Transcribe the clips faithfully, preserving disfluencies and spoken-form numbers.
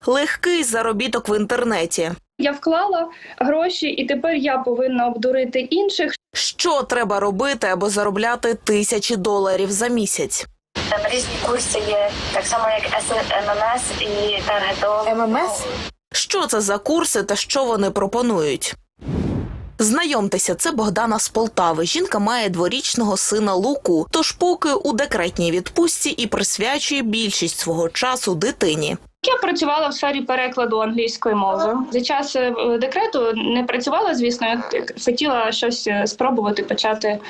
Легкий заробіток в інтернеті. Я вклала гроші, і тепер я повинна обдурити інших. Що треба робити, аби заробляти тисячі доларів за місяць? Там різні курси є, так само як ем ем ес і таргетолог. ем ем ес? Що це за курси та що вони пропонують? Знайомтеся, це Богдана з Полтави. Жінка має дворічного сина Луку, тож поки у декретній відпустці і присвячує більшість свого часу дитині. Я працювала в сфері перекладу англійської мови. За час декрету не працювала, звісно, я хотіла щось спробувати почати,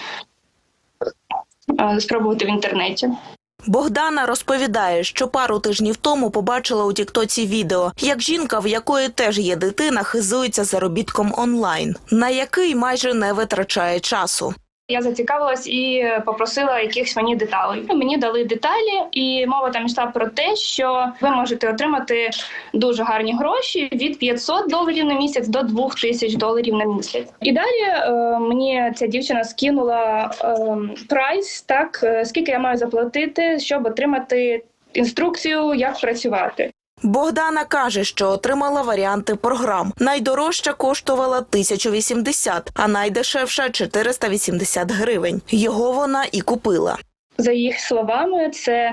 спробувати в інтернеті. Богдана розповідає, що пару тижнів тому побачила у тіктоці відео, як жінка, в якої теж є дитина, хизується заробітком онлайн, на який майже не витрачає часу. Я зацікавилась і попросила якихось мені деталей. Мені дали деталі, і мова там йшла про те, що ви можете отримати дуже гарні гроші від п'ятсот доларів на місяць до двох тисяч доларів на місяць. І далі е, мені ця дівчина скинула е, прайс, так, скільки я маю заплатити, щоб отримати інструкцію, як працювати. Богдана каже, що отримала варіанти програм. Найдорожча коштувала тисячу вісімдесят, а найдешевша – чотириста вісімдесят гривень. Його вона і купила. За їх словами, це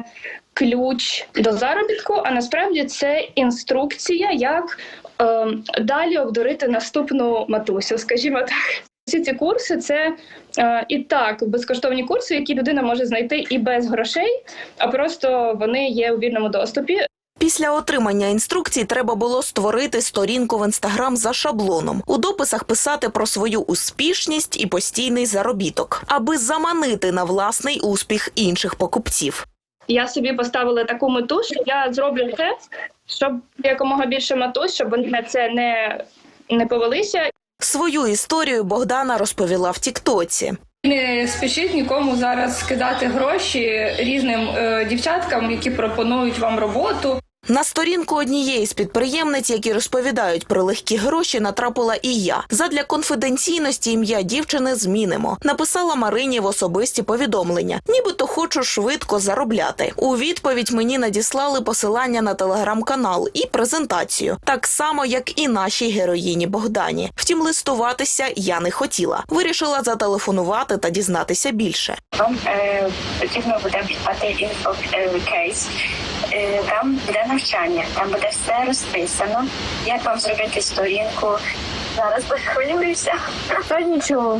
ключ до заробітку, а насправді це інструкція, як е, далі обдурити наступну матусю, скажімо так. Всі ці курси – це е, і так безкоштовні курси, які людина може знайти і без грошей, а просто вони є у вільному доступі. Після отримання інструкцій треба було створити сторінку в Інстаграм за шаблоном. У дописах писати про свою успішність і постійний заробіток, аби заманити на власний успіх інших покупців. Я собі поставила таку мету, що я зроблю це, щоб якомога більше матусь, щоб вони на це не, не повелися. Свою історію Богдана розповіла в тіктоці. Не спішіть нікому зараз скидати гроші різним е, дівчаткам, які пропонують вам роботу. На сторінку однієї з підприємниць, які розповідають про легкі гроші, натрапила і я. Задля конфіденційності ім'я дівчини змінимо. Написала Марині в особисті повідомлення. Нібито хочу швидко заробляти. У відповідь мені надіслали посилання на телеграм-канал і презентацію. Так само, як і нашій героїні Богдані. Втім, листуватися я не хотіла. Вирішила зателефонувати та дізнатися більше. Вам е, потрібно буде придбати інфокейс. Е, там буде навчання, там буде все розписано. Як вам зробити сторінку? Зараз похвилююся. Та нічого.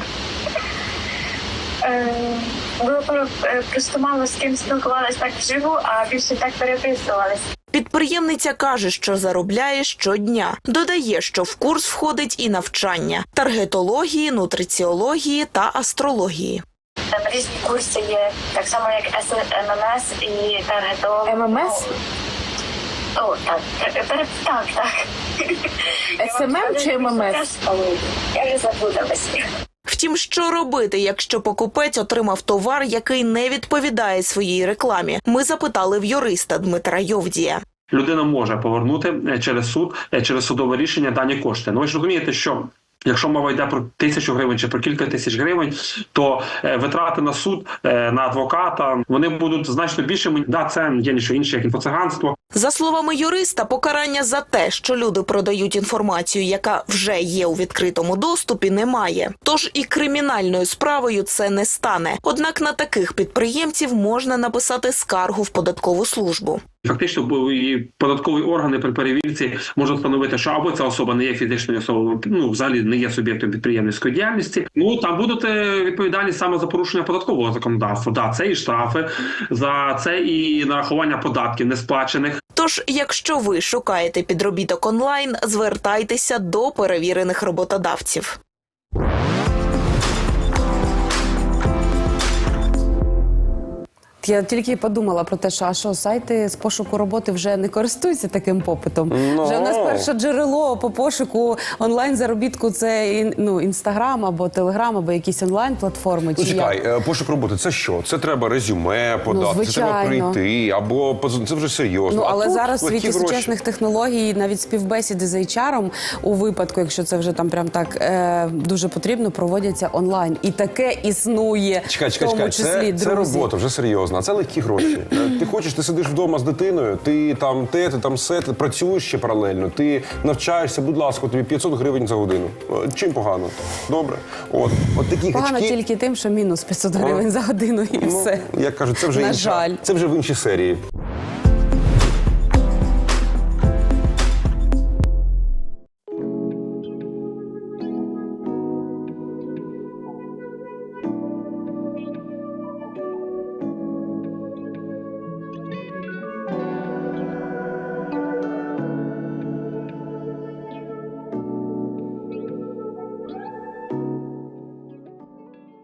Е, було просто мало з ким спілкувалися так вживу, а більше так переписувалися. Підприємниця каже, що заробляє щодня. Додає, що в курс входить і навчання – таргетології, нутриціології та астрології. Там різні курси є, так само як ем ем ес і таргетолог. ем ем ес? О, так, так, так. так. ес ем ем чи ем ем ес? Я вже забудалась. Втім, що робити, якщо покупець отримав товар, який не відповідає своїй рекламі? Ми запитали в юриста Дмитра Йовдія. Людина може повернути через суд, через судове рішення дані кошти. Ну ви ж розумієте, що якщо мова йде про тисячу гривень чи про кілька тисяч гривень, то е, витрати на суд, е, на адвоката, вони будуть значно більшими. Да, це є ніщо інше, як інфоциганство. За словами юриста, покарання за те, що люди продають інформацію, яка вже є у відкритому доступі, немає. Тож і кримінальною справою це не стане. Однак на таких підприємців можна написати скаргу в податкову службу. Фактично, і податкові органи при перевірці можуть встановити, що або ця особа не є фізичною особою, ну, взагалі не є суб'єктом підприємницької діяльності. Ну, там будуть відповідальність саме за порушення податкового законодавства. Да, це і штрафи, за це і нарахування податків несплачених. Тож, якщо ви шукаєте підробіток онлайн, звертайтеся до перевірених роботодавців. Я тільки подумала про те, що, а що сайти з пошуку роботи вже не користуються таким попитом. No. Вже у нас перше джерело по пошуку онлайн-заробітку – це ну, Інстаграм або Телеграм, або якісь онлайн-платформи. Ну, чекай, як? Пошук роботи – це що? Це треба резюме подати, ну, це треба прийти, або це вже серйозно. Ну, але а зараз в світі гроші. Сучасних технологій навіть співбесіди з ейч ар у випадку, якщо це вже там прям так е, дуже потрібно, проводяться онлайн. І таке існує, чекай, чекай, в тому чекай. числі, це, друзі. це робота, вже серйозно. серйозно, а це легкі гроші. Ти хочеш, ти сидиш вдома з дитиною, ти там те, ти там все, ти працюєш ще паралельно, ти навчаєшся, будь ласка, тобі п'ятсот гривень за годину. Чим погано? Добре. От, от такі Погано гачки... тільки тим, що мінус п'ятсот гривень за годину і Ну, все. як кажуть, це вже На інша, жаль. це вже в іншій серії.